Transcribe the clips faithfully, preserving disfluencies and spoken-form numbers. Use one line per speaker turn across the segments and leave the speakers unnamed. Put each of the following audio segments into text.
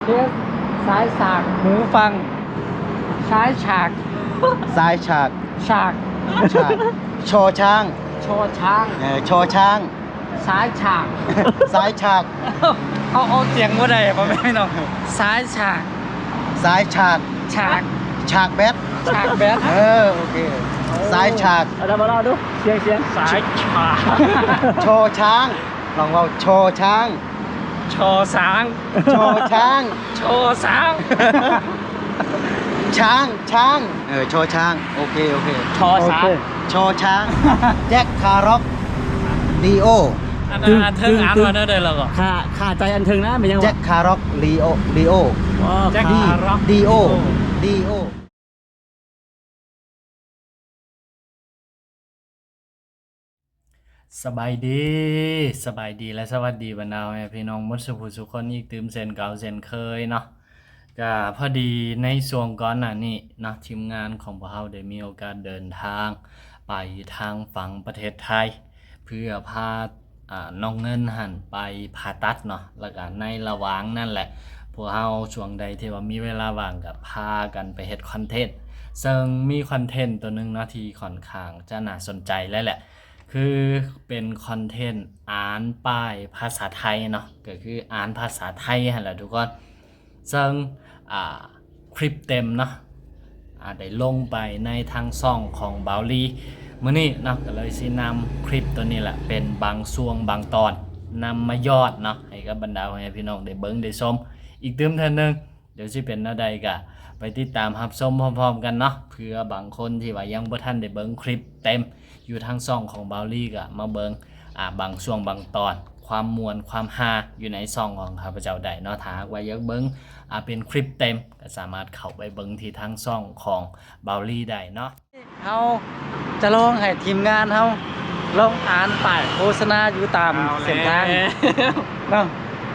เทสซ้ายฉากหูฟังซ้ายฉาก
ซ้ายฉาก
ฉาก
ฉากชอช้าง
ชอช้าง
เออชอช้าง
ซ้ายฉาก
ซ้ายฉาก
เอาเอาเสียงว่าใดพ่อแม่พี่น้องซ้ายฉาก
ซ้ายฉาก
ฉาก
ฉากแบท
ฉากแบท
เออโอเคซ้ายฉาก
เอามาเล่าดูเสียงเสียงซ้ายฉาก
ชอช้างลองว่าชอช้าง
ชอช้าง
ชอช้าง
ชอช้าง
ช้างช้างเออชอช้างโอเคโอเค
ชอช้าง
ชอช้างแจ็คคาร็อกลีโอ
อันนั้นอันเทิงอ่านมาได้เลยหรอขาขาใจอันเทิงนะเป็นยังไง
แจ็คคาร็อกลีโอลีโอ
แจ็ค
ดี
คาร็อก
ดีโอดีโอ
สบายดีสบายดีและสวัสดีบรรดาพี่น้องมดสุภุสุคนอีกตื่มเซนเก่าเซนเคยเนาะก็พอดีในช่วงก่อนหน้านี้เนาะทีมงานของพวกเราได้มีโอกาสเดินทางไปทางฝั่งประเทศไทยเพื่อพาอ่าน้องเงินหันไปผ่าตัดเนาะแล้วก็ในระหว่างนั่นแหละพวกเราช่วงใดที่ว่ามีเวลาว่างก็พากันไปเฮ็ดคอนเทนต์ซึ่งมีคอนเทนต์ตัวนึงเนาะที่ค่อนข้างจะน่าสนใจแล้วแหละคือเป็นคอนเทนต์อ่านป้ายภาษาไทยเนาะก็คืออ่านภาษาไทยหั่นแหละทุกคนซึ่งอ่าคลิปเต็มเนาะอ่าได้ลงไปในทางช่องของเบาลีมื้อนี้เนาะก็เลยสินำคลิปตัวนี้แหละเป็นบางช่วงบางตอนนำมายอดเนาะให้กับบรรดาพี่น้องได้เบิ่งได้ชมอีกเติมเท่านึงเดี๋ยวสิเป็นแนวใดก็ไปติดตามรับชมพร้อมๆกันเนาะเพื่อบางคนที่ว่ายังบ่ทันได้เบิ่งคลิปเต็มอยู่ทางช่องของเบาลี่ก็มาเบิงอ่าบางช่วงบางตอนความมวลความฮาอยู่ในช่องของข้าพเจ้าได้เนาะถ้าหากว่าอยากเบิงอ่าเป็นคลิปเต็มก็สามารถเข้าไปเบิงที่ทางช่องของเบาลี่ได้เนาะ
เฮาจะลองให้ทีมงานเฮาลองอ่านป้ายโฆษณาอยู่ตามเส้นทางเนาะ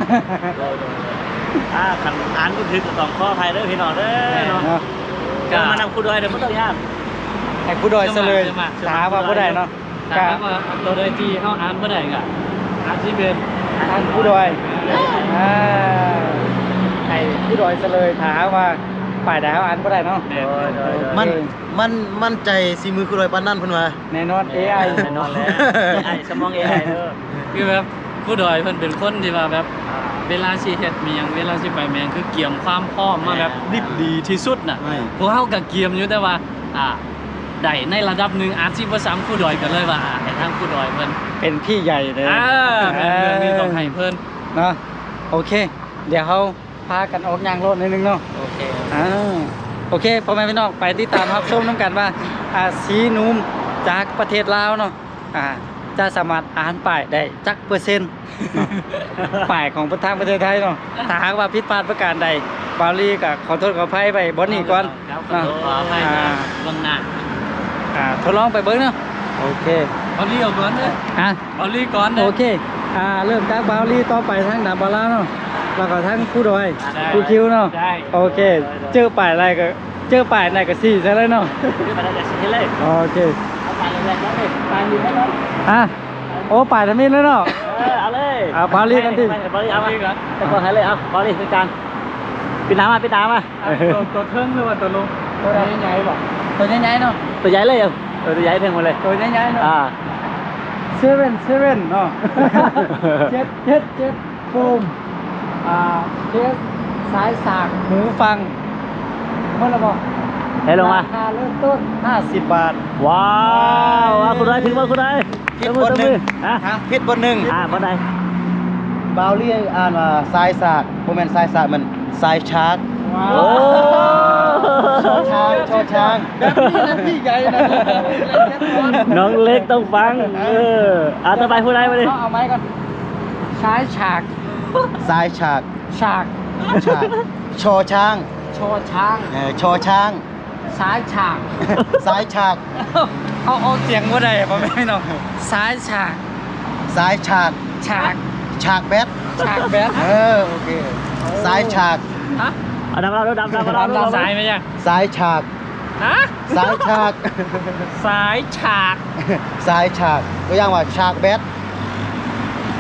อ่าขันอ่านก็คือต้องข้อภัยเด้อพี่น้องเด้อเนาะ
เนาะ
ก็มานำคู่ด้วยเดี๋ยวไม่ต้องยาก
ให้ผู้ดอยซะเลยถามว่าผู้ใดเนาะ
ถาม
ก็
ว่าตัวใดที่เขาอ่านบ่ได้ก็อ่านที่เป็น
ท่านผู้ดอยอ่าให้ผู้ดอยซะเลยถามว่าป้ายใดเฮาอ่านบ่ได้เนาะ
มันมันมั่นใจสีมือคุณรอยปานนั่นเพิ่นว่า
แน่นอน เอ ไอ
แน่นอนแล้ว เอ ไอ สมอง เอ ไอ เด้อ
คือแบบผู้ดอยเพิ่นเป็นคนที่ว่าแบบเวลาสิเฮ็ดมีหยังเวลาสิไปแมงคือเกียมความพร้อมมาแบบดิบดีที่สุดน่ะ
ไม่
พวกเฮาก็เกียมอยู่แต่ว่าอ่าได้ในระดับหนึงอาจสิบ่ซ้ำผู้ดอยกันเลยว่าอ่าให้ทางผู้ดอยเพิ่น
เป็นพี่ใหญ่เลย
อ่าแม่นเรื่องนี้ต้องให้เพิ่น
เนาะโอเค เดี๋ยวเขาพากันออกยางรถนิดนึงเนาะ
โอเค
อ่าโอเคพ่อแม่พี่น้องไปติดตามรับชมน้ำกันว่าอ่าสีนุ่มจากประเทศลาวเนาะอ่าจะสามารถอ่านป้ายได้จักเปอร์เซ็นต์เนาะ ป้ายของทางประเทศไทยเนาะถ้าหากว่าผิดพลาดประการใดบาลีก็ขอโทษขออภัยไปบอนนี่ก่อน
ครับ
เนาะ
ขออภัย
อ่า
เบื้องหน้า
อ่าทดลองไปเบิ้งเนาะโอเค
เอาลีเอาก่อนเด้อ
อ่ะ
เอาลีก่อนเด้
โอ
อ
เค อ่า เริ่มจากบาวลี่ต่อไปทางดาบาลาเนาะ แล้วก็ทางผู้ดอย
ได้
ผู้คิวเนาะ
ได้
โอเค เจอป่ายอะไรก็ เจอป่ายไหนก็สี่ใช่เลยเนาะ
คือมาได้สิเลย
โอเค
เอาไปเลยแล้วนี่ตายอยู่แล้วเนาะ
อ่ะ โอ้ป่ายทำมินแล้วเนาะ
เออเอาเลย
อ่ะบาลีกันดิ
ไปบาลีเอามาแต่ก่อนให้เลยเอาบาลีเป็นการปิดน้ำมาปิดน้ำมา
ตัวตัวเทิงหรือว่าตัวลง
ตัวใหญ่ๆบอกตัวใหญ่ๆเนาะ
ตัวใหญ่เลยเอาเออตัวใหญ่ถึงหมดเลย
ตัวใหญ่ๆเนาะ
อ่า
เซเว่นเซเว่นเนาะ เจ็ดเจ็ดเจ็ดโฟมอ่าเคสสายสากหูฟังเมื่อไรบอก
ให้ลงมา
ราคาเริ่มต้นห้าสิบบาท
ว้าวอ่ะคุณได้ถึงว่าคุณได้
ผิดบนหนึ่ง
ฮะ
ฮะผิดบนหนึ่ง
อ่าบนใด
บาวเลี่ยอ่านว่าซ้ายสากบ่แม่นซ้ายสากมันซ้ายชาร์ก
ว้า
โอ้
ชอช้างชอช้าง
แบบนี้นะพี่ใหญ่นะ
น้องเล็กต้องฟัง เอออ่าต่อไปพูดได้มาดิ
เอาเอาไม้ก่อนซ้ายฉาก
ซ้ายฉาก
ฉาก
ฉากชอช้าง
ชอช้าง
เออชอช้าง
ซ้ายฉาก
ซ้ายฉาก
เอาเอาเสียงว่าใดพ่อแม่พี่น้องซ้ายฉาก
ซ้ายฉาก
ฉาก
ฉากแบท
ฉากแบท
เออโอเคซ้ายฉาก
ฮะ
เอาดำเราดำดำเราดำเรา
ซ้ายไหมยัง
ซ้ายฉาก
ฮะ
ซ้ายฉาก
ซ้ายฉาก
ซ้ายฉากตัวอย่างว่าฉากแบท
โอ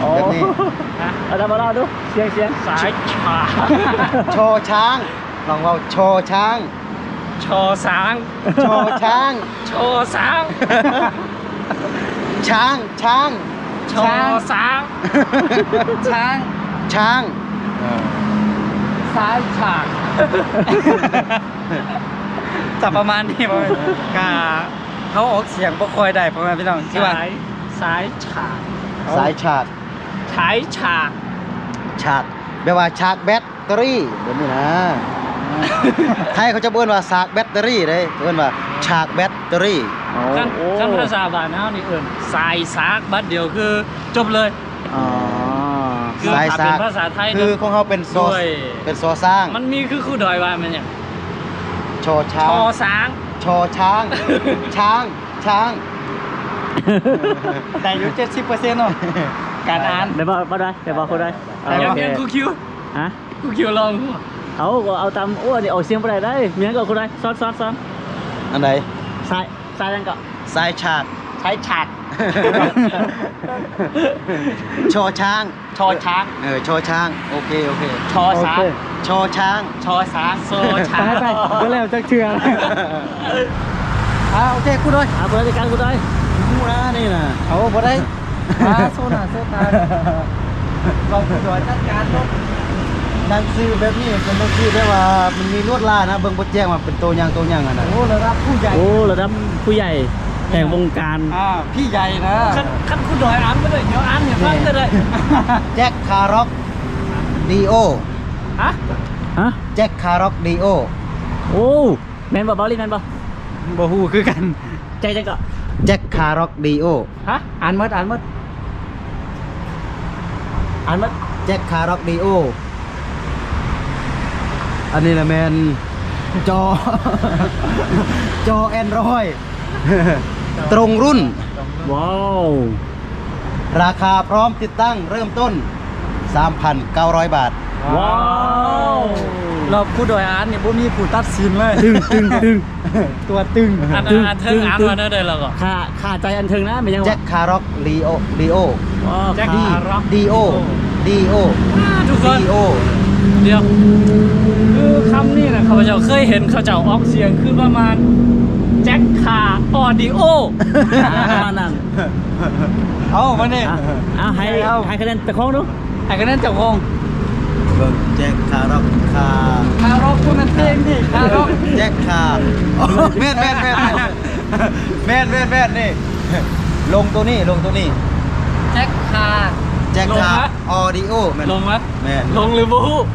แบบนี้
อาตมาเล่าดูเสียงเสียง
สายฉาก
ชอช้างลองเว่าชอช้าง
ชอสาง
ชอช้าง
ชอสาง
ช้างช้าง
ชอสาง
ช้าง
ช้าง
ซ้ายฉาก จะประมาณนี้ประมาณกาเขาออกเสียงบ่ค่อยได้ประมาณพี่น้องที่ว่า
สายสายฉาก
สายชาร์จ
ฉายฉาก
ชาร์จแปลว่าชาร์จแบตเตอรี่แบบนี้นะไทยเขาจะเบิ้นว่าสากแบตเตอรี่เลยเบิ้นว่าชาร์จแบตเตอรี่
ขั้นขั้นภาษาบ้านเฮานี่เอิ้นสายสากบัดเดียวคือจบเลย
อ๋อ
คือ
สาย
ถ้า
สา
เป็น
ก
ภาษาไทย
คือ
เนาะ
ของเขาเป็นโซ
ด้วย
เป็นโซสร้าง
มันมีคือคู่ดอยว่ามันหยัง
ชอช้า
ช
ง
อสาง
ชอช้าง ช้าง ช้าง
แต่อยู่เจ็ดสิบเปอร์เซ็นต์เนาะการอ่าน
เดี๋ยวบอกบอกได้เดี๋ยวบอกเขาได้
ได้
ยัง
โอเค
ยังกูคิว
ฮะ
กูคิวลองกู
เอาก็เอาตามอ้วนนี่เอาเสียงไปได้ได้เมียงก็เขาได้ซ้อนซ้อนซ้อน
อันไหน
สายสายยังก็
สายชาร์จ
ใช้ฉาก
ชอช้าง
ชอช้าง
เออชอช้าง โอเค โอเค
ชอสาง
ชอช้าง
ชอสาง
โซช้า
ไปไปก็แล้วจักเทื่ออ่าโอเคกูด้วย
เอาบริการกูได้
มูนะนี่นะ
เอาบ่ได้อ่าโซน่าโซตาลองกูด้วยจัดการรถ
ดังซื้อแบบนี้เป็นดังซื้อได้ว่ามันมีลวดลายนะ เบิ่งบดแจ้งว่าเป็นตัวอย่างตัวอย่างอะนะ
โอ้ระดับผู้ใหญ่
โอ้ระดับผู้ใหญ่แห่งวงการ
อ่าพี่ใหญ่นะ
ขั้นขั้นกูดอยอ่านก็ได้เดี๋ยวอ่านอย่าฟังก็ได้
แจ็คคาร็อกดีโอ
ฮะ
ฮะ
แจ็คคาร็อกดีโอ
โอ้แมนบ่บอลลี่แมนบ่
บ่ฮู้คือกัน
ใจจังก็
แจ็คคาร็อกดีโอ
ฮะอ่านหมดอ่านหมด
อ่านมา
แจ็คคาร็อกดีโอ อันนี้แหละแมนจอ จอแอนดรอย ตรงรุ่น
ว้าว
ราคาพร้อมติดตั้งเริ่มต้น สามพันเก้าร้อย บาท
ว้าว
เราผู้โดยอ่านเนี่ยบ่มีผู้ตัดสินเลย
ตึงตึงตึง
ตัวตึง
อ่าน
ตึ้ง
อ่านเทิงอ่าน
ตึ้ง
มาได้เลยเราก็
ขาขาใจอันเทิงนะไม่ยัง
แจ็คคาร็อกดีโอดีโอ
ว้าว
แจ็ค
ขา
คาร็อก
ดีโอดีโอ
ทุกคน
ดีโอ
เดี๋ยวคือคำนี้นะข้าพเจ้าเคยเห็นเขาเจ้าออกเสียงคือประมาณแจ็คคาออดิโอ
ประมาณนั้น
เอามานี่
อ่ะเอาให้ให้คะแนนไปคล้องดู
ไอ้ก็นั่นเจ้าของ
เบิ่งแจ็คคาร็อกคา
คารอกคุณมันเพลงดิคารอก
แจ็คคาโอ้แม่นแม่นแม่นแม่นแม่นแม่นนี่ ลงตัวนี้ลงตัวนี้
แจ็คคา
แจ็ค
ลง
คา
ไหม
ออดิโอแม่น
ลงไหม
แม่น
ลงหรือบู๊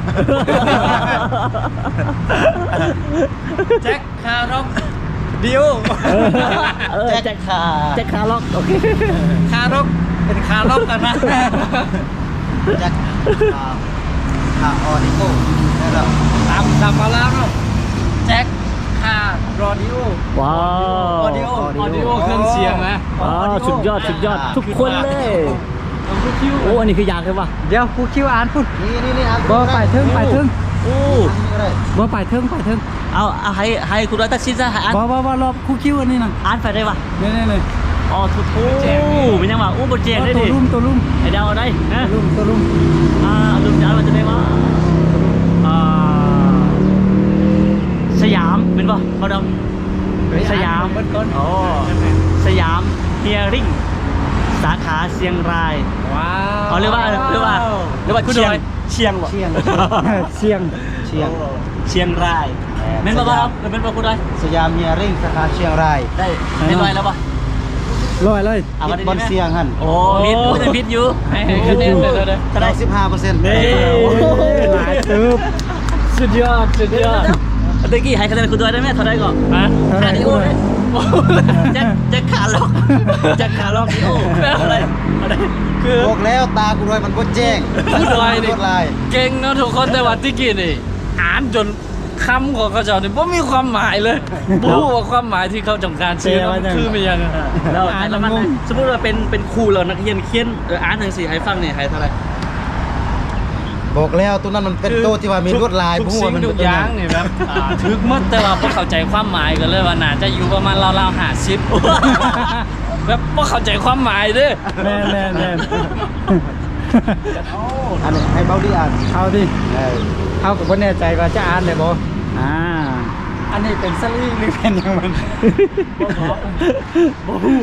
แจ็คคาร็อกดิโอ
เออ
แจ็
แจ็
ค
ค
คา
แจ็คคาร์ล็อกโอเค
คารอกเป็นคารอกกันนะ
แจ็คคาคาออดิโอได้แล้ว
ตามตามมาแล้วเนาะแจ็คคารอดิโอ
ว้าว
ออดิโอ
ออดิโอเครื่องเสียงนะ
ว้าวสุดยอดสุดยอดทุกคนเลย
ลงทุกคิว
โอ้อันนี้คือยากใช่ปะ
เดี๋ยวผู้คิวอ่านพุ่น
นี่นี่นี่อ่าน
บ่ไปถึงไปถึง
โอ้
อันนี้ก็ได้
บ่ไปถึงไปถึง
เอาเอาให้ให้คุณร้อยตัดสินซะให้อ่าน
บ่บ่บ่รอบผู้คิวอันนี้น่ะ
อ่านไปได้ปะ
นี่นี่นี่
อ๋อทุกโอ้เป็นยังไงอู้บทเจงได้
ตัว
ดิ
ลุ่มตัวลุ่ม
ไอเดาวเอาได้นะ
ตัวลุ่มตัวลุ่ม
อ่าลืมจะอ่านมันจะได้ว่าอ่าสยามเป็นปะเขาดำสยาม
เบิดก่อน
อ๋อสยามเฮียริ่งสาขาเชียงราย
ว้าว
เอาเรียกว่าเรียกว่าเรียกว่าเชียงเชียงบ่
เชียง
เสียง
เชียง
เชียงรายเม่นบ่ครับเม่นบ่คุณได้
สยามเฮียริ่งสาขาเชียงราย
ได้เม่นลอยแล้วป่ะ
ลอยเลย
เอามา
คิด
ได้
บน
ไหม
เสียงหัน
โอ้พิษพูดแต่พิษอยู่
ให้ให้คะแนนเลยเลย
เท่าไหร่สิบห้าเปอร์เซ็นต์
เฮ้ย
หลายตึบ
สุดยอดสุดยอด
เมื่อกี้ให้คะแนนคุณด้วยได้ไหมเท่าไหร่ก่อน
ฮะ
เท่าไหร่
ขาดิโอเลยแจ็คแจ็คขาล็อกแจ็คขาล็อกดิโออะไรอะไร
คือ
บอกแล้วตากูด้วยมันบดแจ้ง
ผู้ดอยนี่
ลวดลาย
เก่งเนาะทุกคนแต่ว่าที่กี้นี่อ่านจนคำของเขาเจ้านี่บ่มีความหมายเลยบ่รู้ว่าความหมายที่เขาต้องการสื่อมันคือมันยังไง
แล้วอ่านแล้วมันสมมติว่าเป็นเป็นครูเรานักเรียนเขียนเอออ่านหนังสือให้ฟังเนี่ยให้เท่าไหร่
บอกแล้วตัวนั้นมันเป็นตัวที่ว่ามีลวดลาย
ทุก
ผู้
สิ่
ว่าง มัน
ทุกอย่างนี่แบบอ่าถึกหมดแต่ว่าบ่เข้าใจความหมายกันเลยว่าน่าจะอยู่ประมาณราวๆห้าสิบ แบบบ่เข้าใจความหมายเด้อ
แม่นแม่นแม่น
อันนี้ให้เบาดีอ่าน
เอาดิ
เออ
เอากับบ่แน่ใจว่าจะอ่านได้บ่
อ่า
อันนี้เป็นสลีหรือเป็นหยังมันบ่ฮู้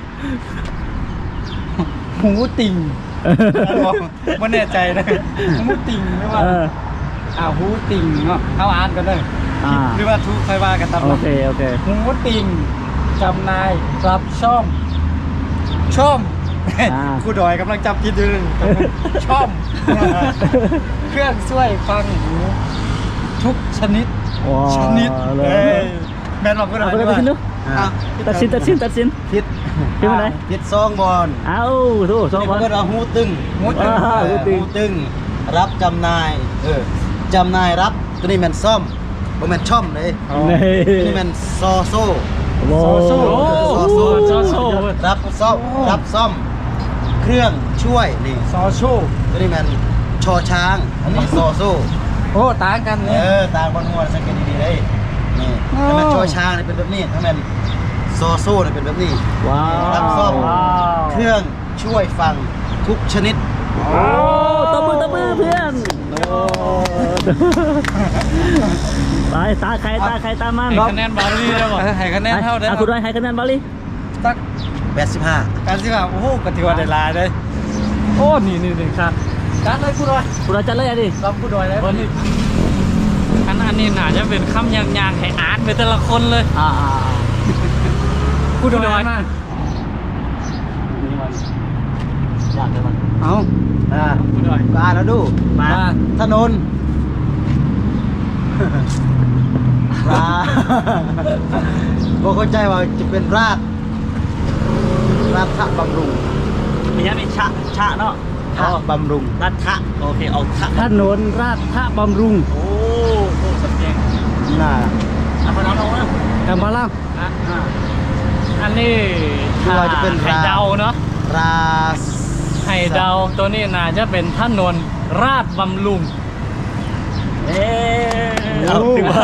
หูติ่งบ่บ่แน่ใจนะหูติ่งหรือว่า
เออ
อ้าวหูติ่งเนาะเอาอ่านกันเลย
อ่า
หรือว่าทุกค่อยว่ากันตาม
โอ
นั้น
เคโอเค
หูติ่งจำนายรับช่อมช่อม
อ่า
ครูดอยกำลังจับผิดอยู่ช่อม เครื่องช่วยฟังหูทุกชนิด
ว้าว
ชนิด
เลย
เอ้ยแม่นบอกครูดอย
เอาไปเลยไปชิ้นดู
อ่ะ
ตัดสินตัดสินตัดสิน
พิษ
พิษอะไร
พิษซองบอล
เอาโถ่สอง
นี่
บอ
เพิ่
ล
นเอาหูตึง
หูตึง
อ่า
เออหูตึง รับจำนาย เออจำนายรับตัวนี้แม่นซ่อมบ่แม่นช่อมเลย
นี่
ตัวนี้แม่นซอโซ่
โอ้
โซ่
โห
ซอโซ่
ซอโซ่
รับซ่อมรับซ่อม เครื่องช่วยนี่
ซอชู
ตัวนี้แม่นชอช้าง อันนี้ซอโซ่
โอ้ต่างกัน
เอ
เนี่ย
อตางบอลงัวสังเกตดีๆเลยนี่
อ๋อ
ถ้าแม่นชอช้างนี่เป็นแบบนี้ถ้าแม่นซอโซ่นี่เป็นแบบนี้
ว้าว
รับซ่อม
ว้าว
เครื่องช่วยฟังทุกชนิด
โอ้ตบมือตบมือเพื่อนโอ้ตายตาใครตาใครตามัน
ให้คะแนนบาลีได้บ่
เออให้คะแนนเท่าได้
อ่ะคุณด้วยให้คะแนนบาลี
สัก
แปดสิบห้า
การสิว่าโอ้โหกติว่าได้หลายเลยโอ้นี่นี่นี่ครับจัดเลยครูดอย
คุณด้วยจัดเลยอ่ะดิ
รับครูดอยแล้ว
วันนี้อันอันนี้น่าจะเป็นคำยางๆให้อ่านไปแต่ละคนเลย
อ่า
ครูดอยมา
นี่มันยากเลยมัน
เอา
อ่า
ครูดอย
ก็อ่านแล้วดู
มา
ถนนรา บอกเข้าใจว่าจะเป็นรากราชบำรุง
มีอย่างมีชะชะเนาะ
ทะบำรุง
รัฐะโอเคเอาทะ
ถนนราชท่าบำรุง
โอ้โหสำเนียง
น่า
อ่ะพอน้องน้องนะ
แอมบาล่า
อ่ะอันนี้
คือว่าจะเป็น
ให้
รา
เดาเนาะ
รา
ให้เดาตัวนี้น่าจะเป็นถนนราชบำรุง
เอ๊ะเอาถือว่า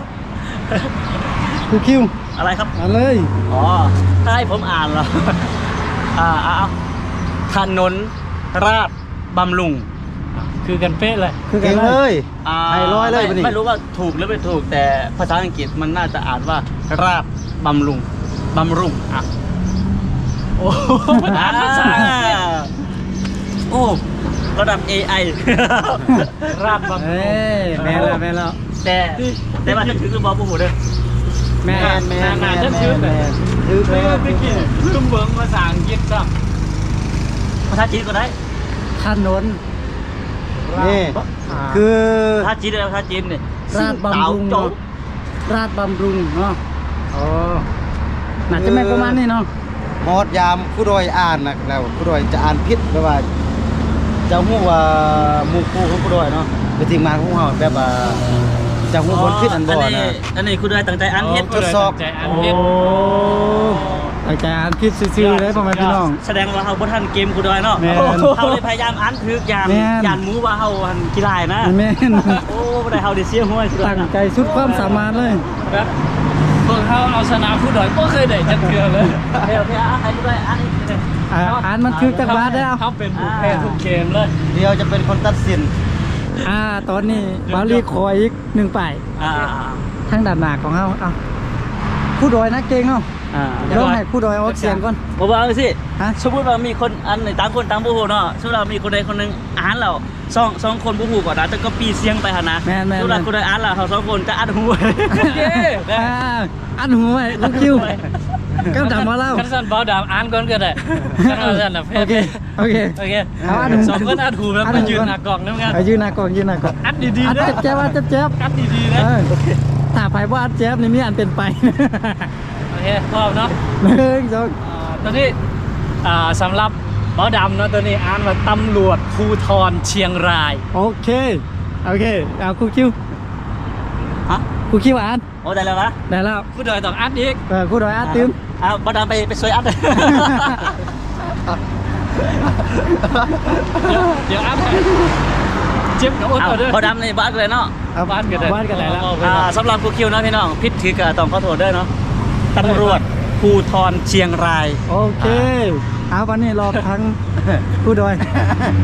ครูคิว
อะไรครับ
อ่านเลย
อ๋อถ้าให้ผมอ่านเหรอ อ่าเอาเอาถนนราชบำรุง
คือกันเป๊ะเลย
คือกั
เก่
น
ง
เล
เลย ย
อ่า
ให้ร้อยเลย
ไม่
ปะนี่
ไม่รู้ว่าถูกหรือไม่ถูกแต่ภาษาอังกฤษมันน่าจะอ่านว่าราชบำรุงบำรุงอ่ะ
โอ้โหมันอ่านภาษาอังกฤษ
โอ้ระดับ เอ ไอ
ราชบำรุ
เอ้
ง
ยแม่นแล้วแม่นแล้ว
แต่แต่ว่าจะถึงหรือเปล่าผมเด้อ
แม่
แม
น
นแมนแม
น่าน จะ
แม
ชื่อน
แม
เลย
นถือ
เอ
แม
อน ตะกี้เพิ่มเบิ่งภาษาอังกฤษครับ
ภาษาจีนก็ได้
ถนน
นี่
อ่า
คือ
ภาษาจีนได้ภาษาจีนเนี่ย
ราชบำรุง
โจ๊
เนาะ
ก
ราชบำรุงเนาะอ๋อน่าจะแม่นประมาณนี้เนาะ
มอดยามผู้โดยอ่านนะแล้วผู้โดยจะอ่านผิดแปลว่าจะฮู้ว่าหมู่คู่ของผู้โดยเนาะไปทีมงานของเฮาแบบว่าจะฮู้บนผิดอันบ่
นี้
นะ
อันนี้คุณได้ตั้งใจอ่านเฮ็ด
ทดสอบ
ใจอันเฮ็ด
อาจารย์ผิดซื่อๆเลยพ่อแม่พี่น้อง
แสดงว่าเฮาบ่ทันเกมคุณด้วยเนาะ
แม่น
เฮาเลยพยายามอ่านถึกยาน
แม่น
ยานหมูว่าเฮาหันกีฬานะ
แม่น
โอ้บ่ได้เฮาได้เสียหัวสิ
ตั้งใจสุดความสามารถเลย
แบบพวกเขาเอาชนะผู้ดอยก็เคยได้จักเทื่อเลย
เฮ้ยพี่อ่านให้คุณด้วยอ่านอีกที
อ่าอ่านมันคือจักรวาลแล้ว
เขาเป็นผู้แพ้ทุกเกมเลย
เดียวจะเป็นคนตัดสิน
อ่า ตอนนี้บาลีขออีกหนึ่งป้าย
อ่า
ทางด้านหน้าของเฮาเอาผู้ดอยนักเก่งเนาะ
อ่า
ลองให้ผู้ดอยออกเสียงก่อน
บ่ว่าจังซี่
ฮะ
สมมุติว่ามีคนอันต่างคนต่างบ่ฮู้เนาะสมมุติว่ามีคนใดคนหนึงอ่านแล้วสองสองคนบ่ฮู้ก็ได้แต่ก็ปีเสียงไปหั่นนะ
แม่นๆๆ
สมมุติว่าคนใดอ่านแล้วเขาสองคนจะอ่านหู
โอเค
อ่าอันหูไว้ลูกคิวก้าวดำมาเล่า
คันสันเบาดามอ่านก่อนก็ได้คันเอาสันน่ะแพ้
โอเค โอเค
โอเค
เอาอันหู
สองคนอ่านถูกแล้วมายืนหน้ากล่องนำกัน
เอายืนหน้ากล่องยืนหน้ากล่อง
อัดดี
อั
ๆ
ด
นะ
เจ็บๆอัดเจ็บ
อัดดีๆ
ๆ
นะ
เออถ้าไผว่าอัดเจ็บนี่มีอันเป็นไป
โอเคพร้อมเนาะ
หนึ่งสอง
อ่าตอนนี้อ่าสำหรับเบาดำเนาะตัวนี้อ่านว่าตำรวจภูธรเชียงราย
โอเค โอเค เอาครูคิว
ฮะ
ครูคิวอ่าน
โอ้ได้แล้วนะ
ได้แล้ว
ผู้ดอยต้องอัดอีก
เออครูดอยอ่านตื้ม
อ่าบ่ดามไปไปซวยอัด
เดี๋ยวเดี๋ยวอัดให้เจ็บกับอด
เอา
เอาเด้อ
บ่ดามในบ้านเลยเนาะ
เอา
บ้านกันได้
บ้านกันได้แล้ว
อ่าสำหรับครูคิวนะพี่น้องพิษถือกับต้องขอโทษด้วยเนาะตำรวจภูธรเชียงราย
โอเค เอาวันนี้รอทั้งครูดอย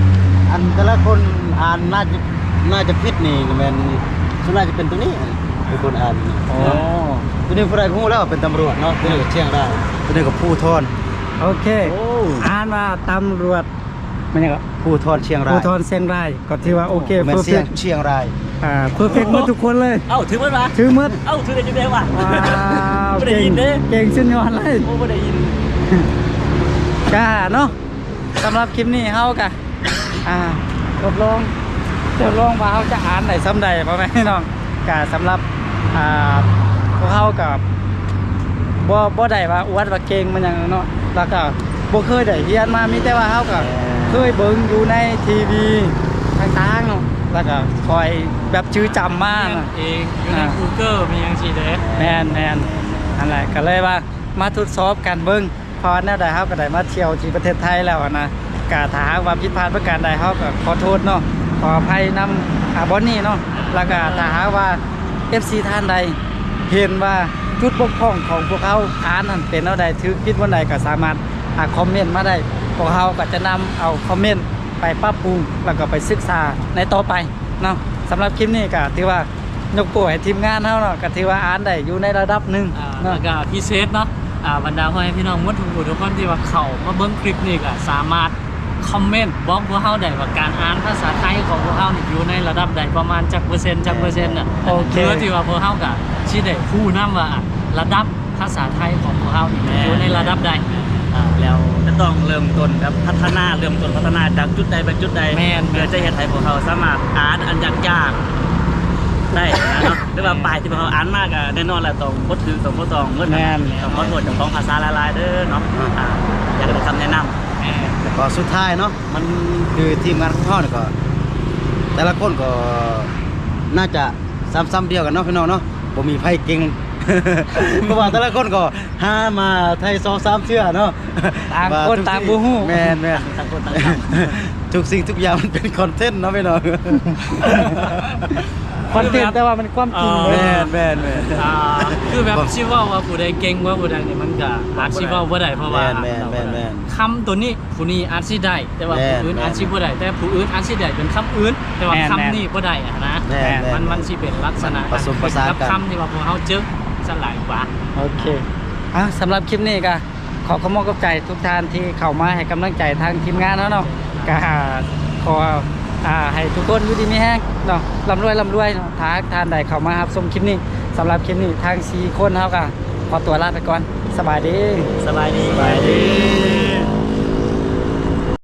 อันแต่ละคนอ่านน่าจะน่าจะผิดนี่แม่นส่วนน่าจะเป็นตัวนี้เป็นคนอ่าน
โอ้
ตัวนี้ผู้ใดฮู้แล้วว่าเป็นตำรวจเนาะตัวนี้ก็เชียงรายตัวนี้ก็ผู้ทอน
โอเคอ่านว่าตำรวจมันยังก็
ผู้ทอนเชียงราย
ภูธรเชียงรายก็ถือว่าโอเค
แม่
เพ
น
อร์
เชี
เฟ
ยง
กต์
เชียงราย
อ่าเพอร์เฟกต์หมดทุกคนเลย
เอ้าถือมันมา
ถือหมด
เอ้าถือได้จังได๋วะ
ว้าว
ไม่ได้
เก่
ยิ
ง
นเด้
เก่งสุดยอดเลย
โอ้บ่ได้ยิน
กาเนาะสำหรับคลิปนี้เฮากะอ่าทดลองทดลองว่าเฮาจะอ่านได้ซ้ำใดพ่อแม่พี่น้องกะสำหรับอ่าพวกเฮากับบ่บ่ได้ว่าอวดว่าเก่งมันหยังเนาะแล้วก็บ่เคยได้เรียนมามีแต่ว่าเฮาก็เคยเบิ่งอยู่ในทีวีต่างๆเนาะแล้วก็คอยแบบชื่อจำมา
เรียน
เนาะ
เองอยู่ใน
อ่า
Google มีหยังสิเด้
แมนแมนอันแหละก็เลยว่ามาทดสอบกันเบิ้งเพอแนวใดเฮาก็ได้มาเที่ยวที่ประเทศไทยแล้วอะนะกะถ้าหากว่าผิดพลาดประการใดเฮาก็ขอโทษเนาะขออภัยนำอาบอนนี่เนาะแล้วก็ถ้าหากว่า เอฟ ซี ท่านใดเห็นว่าจุดบกพร่องของพวกเขาอ่านนั่นเป็นแนวใดถือผิดวันใดก็สามารถอ่าคอมเมนต์มาได้พวกเขาก็จะนำเอาคอมเมนต์ไปปรับปรุงแล้วก็ไปศึกษาในต่อไปเนาะสำหรับคลิปนี้ก็ถือว่ายกโป้ให้ทีมงานเฮาเนาะก็ถือว่าอ่านได้อยู่ในระดับหนึ่ง
อ่า
เนาะ
แล้วก็พิเศษเนาะอ่าบรรดาพ่อแม่พี่น้องหมดทุกผู้ทุกคนที่ว่าเข้ามาเบิ่งคลิปนี้ก็สามารถคอมเมนต์บอกพวกเฮาได้ว่าการอ่านภาษาไทยของพวกเฮานี่อยู่ในระดับใดประมาณจักเปอร์เซ็นต์จักเปอร์เซ็นต์น่ะ
โอเค
เพื่อที่ว่าพวกเฮาก็สิได้ฮู้นำว่าอ่ะระดับภาษาไทยของพวกเฮานี่อยู่ในระดับใด
อ่าแล้วจะต้องเริ่มต้นครับพัฒนาเริ่มต้นพัฒนาจากจุดใดไปจุดใด
แม่น
เพื่อจะเฮ็ดให้พวกเขาสามารถอ่านอันยากๆได้นะเนาะหรือว่าปลายที่พวกเขาอ่านมากอ่ะแน่นอนแหละต้องบ่ถือต้องบ่ต้องเงิน
แม่น
ต้องขอโทษเจ้าของภาษาหลายๆเด้อเนาะอ่าอยากได้คำแนะนำ
แต่ก็สุดท้ายเนาะมันคือทีมงานของเขาเนี่ยก็ แต่ละคนก็น่าจะซ้ำๆเดียวกันเนาะพี่น้องเนาะบ่มีไผเก่ง เพราะว่าแต่ละคนก็หามาไทยสองสามเชื่อเนาะ
ต่างคน
ว่ทุก
ต่างบ่ฮู้
แม่นแม่น
ต่างคนต่างท
ทุกสิ่งทุกอย่างมันเป็นคอนเทนต์เนาะพี่น้อง
คอนเทนต์แต่ว่ามันความจริงเล
แม่
ย
นแม่นแม่น
อ่าคือแบบสิเว้าว่าผู้ใดเก่งว่าผู้ใดนี่มันก็อาจสิเว้าบ่ได้เพราะว่า
แม่นแม่นแม่น
คำตัวนี้ผู้นี้อาจสิได้ แต่ว่า
แม่น
ผู้อื่น
แม่น
อาจสิบ่ได้แต่ผู้อื่นอาจสิได้เป็นคำอื่น แต่ว่า
แม่น
คำนี้บ่ได้อะนะ
แม่นแม่น
มันมันสิเป็นลักษณะ
ผสมผสานกัน
กับคำที่ว่าพวกเฮาเจอสลายกว่า
โอเคอ่ะสำหรับคลิปนี้ก็ขอขอบคุณกับใจทุกท่านที่เข้ามาให้กำลังใจทางทีมงานเนาะเนาะก็ขออ่าให้ทุกคนอยู่ดีมีแห้งเนาะร่ำรวยร่ำรวยเนาะถ้าท่านใดเข้ามารับชมคลิปนี้สำหรับคลิปนี้ทางสี่คนเฮาก็ขอตัวลาไปก่อนสบายดี
สบายดี
สบายดี